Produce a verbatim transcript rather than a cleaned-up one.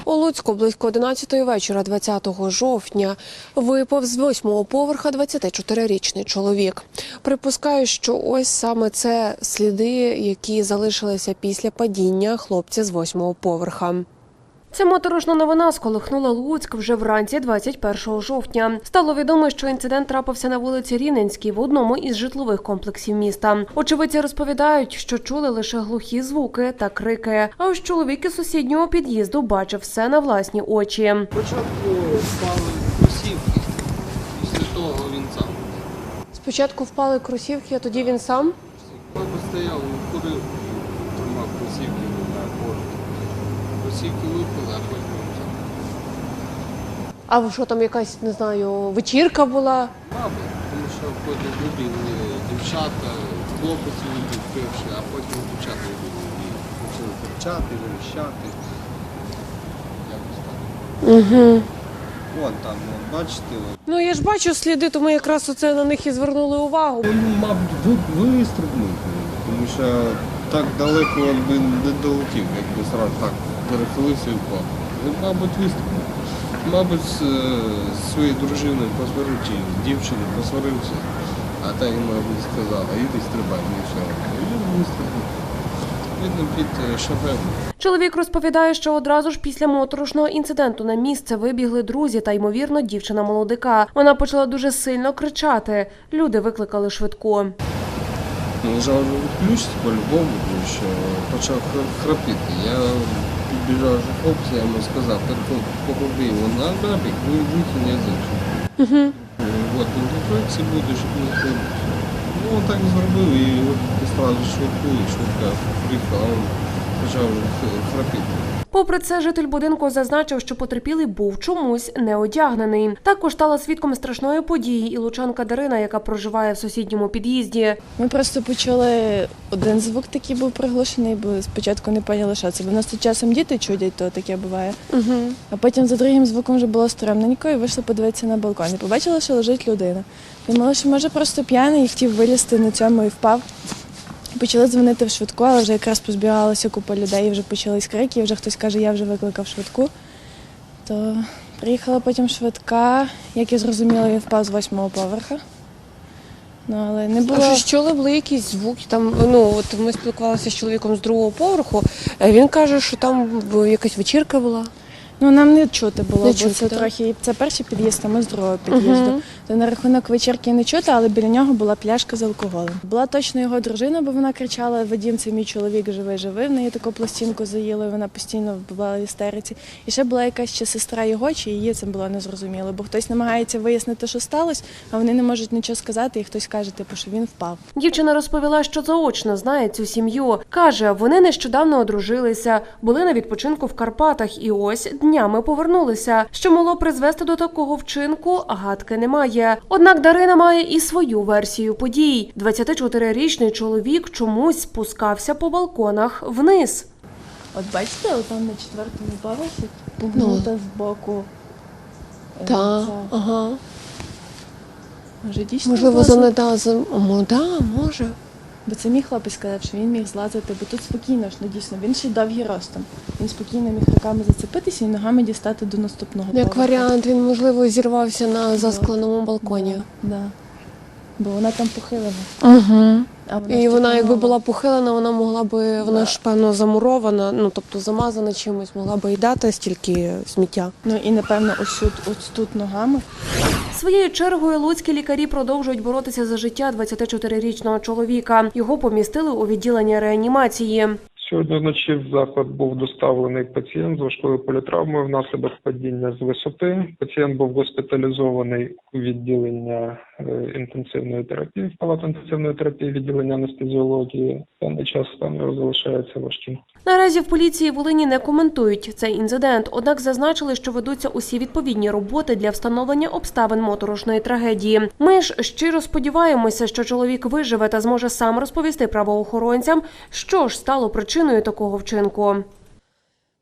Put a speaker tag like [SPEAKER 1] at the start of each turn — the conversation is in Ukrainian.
[SPEAKER 1] У Луцьку близько одинадцятої вечора двадцятого жовтня випав з восьмого поверха двадцятичотирирічний чоловік. Припускаю, що ось саме це сліди, які залишилися після падіння хлопця з восьмого поверха. Ця моторошна новина сколихнула Луцьк вже вранці двадцять першого жовтня. Стало відомо, що інцидент трапився на вулиці Рівненській в одному із житлових комплексів міста. Очевидці розповідають, що чули лише глухі звуки та крики. А ось чоловік із сусіднього під'їзду бачив все на власні очі.
[SPEAKER 2] Спочатку впали кросівки, після того він сам.
[SPEAKER 1] Спочатку впали кросівки, а тоді він сам?
[SPEAKER 2] Папа стояв, курив, тримав кросівки на борт. Кросівки випали, а потім він сам.
[SPEAKER 1] А що там якась, не знаю, вечірка була?
[SPEAKER 2] Мабуть, тому що потім вибігли дівчата, хлопець вибіг перший, а потім дівчата вибігли і почали кричати, верещати. Якось так.
[SPEAKER 1] Угу.
[SPEAKER 2] Вон там, вон, бачите? Вон.
[SPEAKER 1] Ну я ж бачу сліди, тому якраз оце на них і звернули увагу.
[SPEAKER 2] Він, мабуть, вистрибнув, тому що так далеко він би не долетів, якби одразу так перехилився і впав. Він, мабуть, вистрибнув. Мабуть, з своєю дружиною посварився, чи дівчиною посварився, а та йому, мабуть, сказала, іди стрибай, і все. І він вистрибнув. Видно, під шофером.
[SPEAKER 1] Чоловік розповідає, що одразу ж після моторошного інциденту на місце вибігли друзі та, ймовірно, дівчина молодика. Вона почала дуже сильно кричати. Люди викликали швидку.
[SPEAKER 2] Лежав вже відключити по-любому, тому що почав храпіти. Я підбіжав до хлопця, я йому сказав, покупи його на набік, витягни язик.
[SPEAKER 1] Угу.
[SPEAKER 2] От, він тут це буде, щоб не хлопець. Ну, він так зробив і одразу швидку, і швидка приїхала, а він почав храпіти.
[SPEAKER 1] Попри це, житель будинку зазначив, що потерпілий був чомусь не одягнений. Також стала свідком страшної події і лучанка Дарина, яка проживає в сусідньому під'їзді.
[SPEAKER 3] Ми просто почули один звук, такий був приглушений, бо спочатку не поняли, що це. Бо в нас тут часом діти чудять, то таке буває.
[SPEAKER 1] Угу.
[SPEAKER 3] А потім за другим звуком вже було стрімненько і вийшли подивитися на балкон. І побачили, що лежить людина. Думали, що може просто п'яний і хотів вилізти на цьому і впав. Почали дзвонити в швидку, але вже якраз позбігалася купа людей, і вже почались крики, і вже хтось каже, я вже викликав швидку. То приїхала потім швидка, як я зрозуміла, він впав з восьмого поверха. Ну, але не було...
[SPEAKER 1] А що чули, були якісь звуки? Там, ну, от ми спілкувалися з чоловіком з другого поверху, він каже, що там якась вечірка була.
[SPEAKER 3] Ну, нам не чути було,
[SPEAKER 1] Не
[SPEAKER 3] бо
[SPEAKER 1] чути,
[SPEAKER 3] це
[SPEAKER 1] так?
[SPEAKER 3] трохи, це перший під'їзд, а ми з другого під'їзду.
[SPEAKER 1] Угу.
[SPEAKER 3] То на рахунок вечірки не чути, але біля нього була пляшка з алкоголем. Була точно його дружина, бо вона кричала, Вадім, це мій чоловік, живий-живий, в неї таку пластинку заїли, вона постійно була в істериці. І ще була якась чи сестра його, чи її, це було незрозуміло, бо хтось намагається вияснити, що сталося, а вони не можуть нічого сказати, і хтось каже, типу, що він впав.
[SPEAKER 1] Дівчина розповіла, що заочно знає цю сім'ю. Каже, вони нещодавно одружилися, були на відпочинку в Карпатах і ось днями повернулися. Що могло призвести до такого вчинку, гадки немає. Однак Дарина має і свою версію подій. двадцятичотирирічний чоловік чомусь спускався по балконах вниз.
[SPEAKER 3] От бачите, там на четвертому поверсі
[SPEAKER 1] Ну.
[SPEAKER 3] пугнута збоку.
[SPEAKER 1] Так, ага.
[SPEAKER 3] Може, дійсно
[SPEAKER 1] Можливо,
[SPEAKER 3] злазив?
[SPEAKER 1] занедазом. О, да, може.
[SPEAKER 3] Бо це мій хлопець сказав, що він міг злазити, бо тут спокійно ж, ну дійсно, він ще й довгий ростом. Він спокійно міг руками зацепитися і ногами дістати до наступного
[SPEAKER 1] Як
[SPEAKER 3] поверху.
[SPEAKER 1] варіант, він, можливо, зірвався на заскленому балконі.
[SPEAKER 3] Да, да. Бо вона там похилена.
[SPEAKER 1] Угу.
[SPEAKER 3] А вона
[SPEAKER 1] І
[SPEAKER 3] ж
[SPEAKER 1] вона,
[SPEAKER 3] така
[SPEAKER 1] якби
[SPEAKER 3] нова.
[SPEAKER 1] була похилена, вона могла би, вона
[SPEAKER 3] Да.
[SPEAKER 1] ж, певно, замурована, ну, тобто замазана чимось, могла би й дати стільки сміття.
[SPEAKER 3] Ну і, напевно, ось тут, ось тут ногами.
[SPEAKER 1] Своєю чергою луцькі лікарі продовжують боротися за життя двадцятичотирирічного чоловіка. Його помістили у відділення реанімації.
[SPEAKER 4] Сьогодні вночі в заклад був доставлений пацієнт з важкою політравмою внаслідок падіння з висоти. Пацієнт був госпіталізований у відділення інтенсивної терапії, в палату інтенсивної терапії, відділення анестезіології. В даний час стан його залишається важким.
[SPEAKER 1] Наразі в поліції Волині не коментують цей інцидент, однак зазначили, що ведуться усі відповідні роботи для встановлення обставин моторошної трагедії. Ми ж щиро сподіваємося, що чоловік виживе та зможе сам розповісти правоохоронцям, що ж стало причиною такого вчинку.